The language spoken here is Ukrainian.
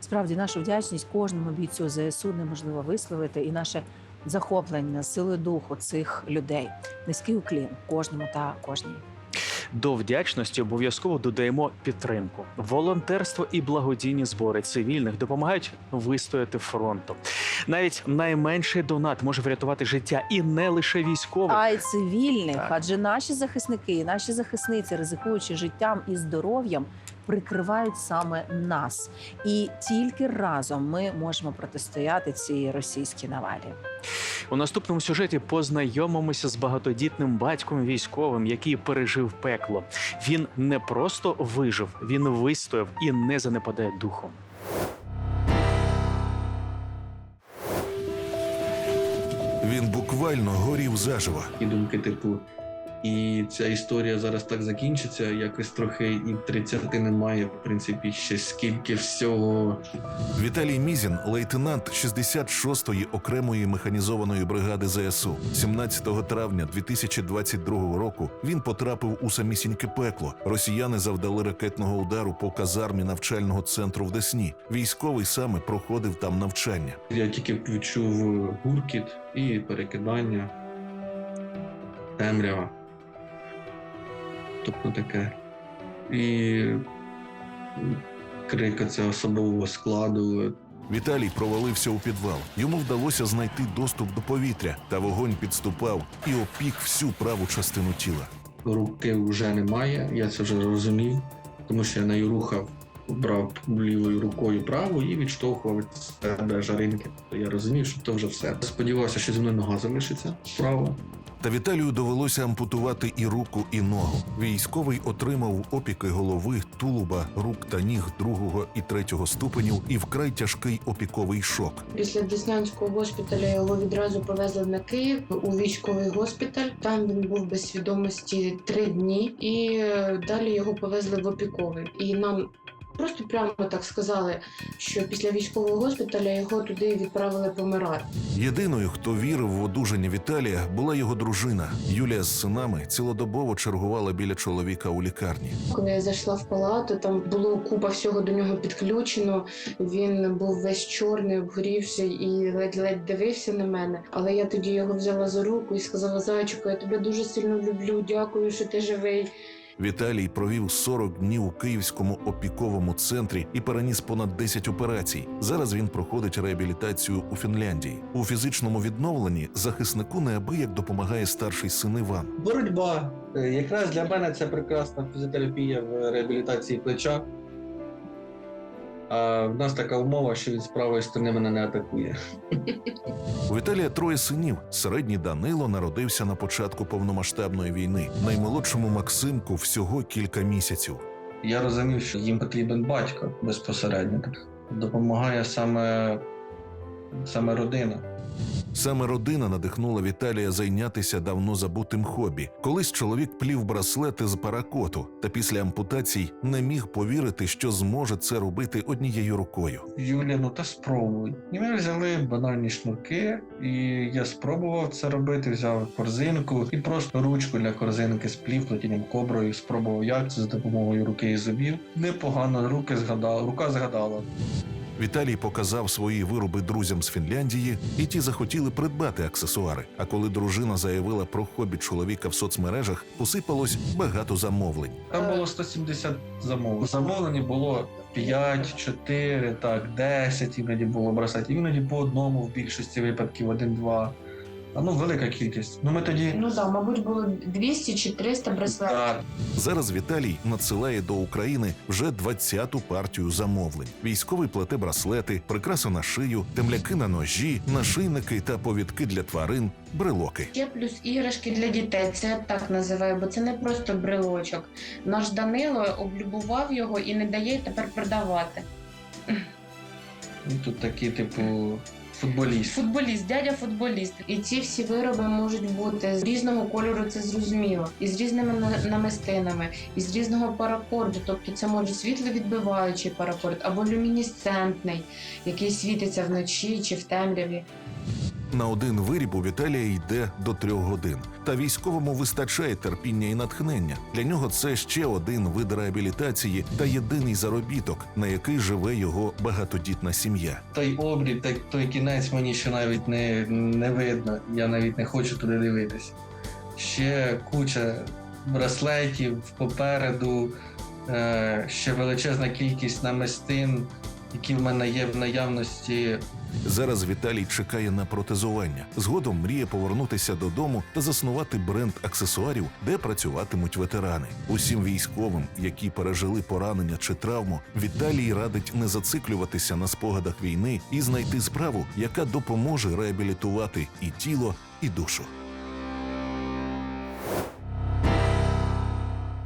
Справді, нашу вдячність кожному бійцю ЗСУ неможливо висловити, і наше захоплення силою духу цих людей. Низький уклін кожному та кожній. До вдячності обов'язково додаємо підтримку. Волонтерство і благодійні збори цивільних допомагають вистояти фронту. Навіть найменший донат може врятувати життя і не лише військових. А й цивільних, Так. адже наші захисники, наші захисниці, ризикуючи життям і здоров'ям, прикривають саме нас. І тільки разом ми можемо протистояти цій російській навалі. У наступному сюжеті познайомимося з багатодітним батьком військовим, який пережив пекло. Він не просто вижив, він вистояв і не занепадає духом. Він буквально горів заживо. І думки, типу, і ця історія зараз так закінчиться, якось трохи і 30 немає, в принципі, ще скільки всього. Віталій Мізін – лейтенант 66-ї окремої механізованої бригади ЗСУ. 17 травня 2022 року він потрапив у самісіньке пекло. Росіяни завдали ракетного удару по казармі навчального центру в Десні. Військовий саме проходив там навчання. Я тільки відчув гуркіт і перекидання, темрява. Тобто таке. І крик цього особового складу. Віталій провалився у підвал. Йому вдалося знайти доступ до повітря, та вогонь підступав і опік всю праву частину тіла. Руки вже немає, я це вже розумів, тому що я нею рухав, брав лівою рукою праву і відштовхував від себе жаринки. Я розумів, що то вже все. Сподівався, що зі мною нога залишиться справа. Та Віталію довелося ампутувати і руку, і ногу. Військовий отримав опіки голови, тулуба, рук та ніг 2 і 3 ступенів і вкрай тяжкий опіковий шок. Після Деснянського госпіталя його відразу повезли на Київ у військовий госпіталь. Там він був без свідомості 3 дні, і далі його повезли в опіковий. І нам просто прямо так сказали, що після військового госпіталя його туди відправили помирати. Єдиною, хто вірив в одужання Віталія, була його дружина. Юлія з синами цілодобово чергувала біля чоловіка у лікарні. Коли я зайшла в палату, там було купа всього до нього підключено. Він був весь чорний, обгорівший і ледь-ледь дивився на мене. Але я тоді його взяла за руку і сказала: «Зайчику, я тебе дуже сильно люблю, дякую, що ти живий». Віталій провів 40 днів у Київському опіковому центрі і переніс понад 10 операцій. Зараз він проходить реабілітацію у Фінляндії. У фізичному відновленні захиснику неабияк допомагає старший син Іван. Боротьба. Якраз для мене це прекрасна фізіотерапія в реабілітації плеча. А в нас така умова, що він з правої сторони мене не атакує. У Віталія 3 синів. Середній Данило народився на початку повномасштабної війни. Наймолодшому Максимку всього кілька місяців. Я розумів, що їм потрібен батько безпосередньо. Допомагає саме родина. Саме родина надихнула Віталія зайнятися давно забутим хобі. Колись чоловік плів браслети з паракоту, та після ампутацій не міг повірити, що зможе це робити однією рукою. Юля, ну та спробуй. І ми взяли банальні шнурки, і я спробував це робити, взяв корзинку і просто ручку для корзинки сплів плетінням коброю, спробував як це за допомогою руки і зубів. Непогано, рука згадала. Віталій показав свої вироби друзям з Фінляндії, і ті захотіли придбати аксесуари. А коли дружина заявила про хобі чоловіка в соцмережах, посипалось багато замовлень. Там було 170 замовлень. Замовлень було 5, 4, 10 іноді було браслетів. Іноді по одному, в більшості випадків 1-2. Велика кількість. Ми тоді... Мабуть, було 200 чи 300 браслетів. Так. Зараз Віталій надсилає до України вже 20-ту партію замовлень. Військовий плете браслети, прикраси на шию, темляки на ножі, нашийники та повідки для тварин, брелоки. Ще плюс іграшки для дітей, це я так називаю, бо це не просто брелочок. Наш Данило облюбував його і не дає тепер продавати. Тут такі, футболіст. Футболіст, дядя футболіст. І ці всі вироби можуть бути з різного кольору, це зрозуміло, і з різними намистинами, і з різного паракорду. Тобто це може світловідбиваючий паракорд або люмінесцентний, який світиться вночі чи в темряві. На один виріб у Віталія йде до 3 годин. Та військовому вистачає терпіння і натхнення. Для нього це ще один вид реабілітації та єдиний заробіток, на який живе його багатодітна сім'я. Той обріб, той кінець мені ще навіть не видно. Я навіть не хочу туди дивитися. Ще куча браслетів попереду, ще величезна кількість намистин, які в мене є в наявності. Зараз Віталій чекає на протезування. Згодом мріє повернутися додому та заснувати бренд аксесуарів, де працюватимуть ветерани. Усім військовим, які пережили поранення чи травму, Віталій радить не зациклюватися на спогадах війни і знайти справу, яка допоможе реабілітувати і тіло, і душу.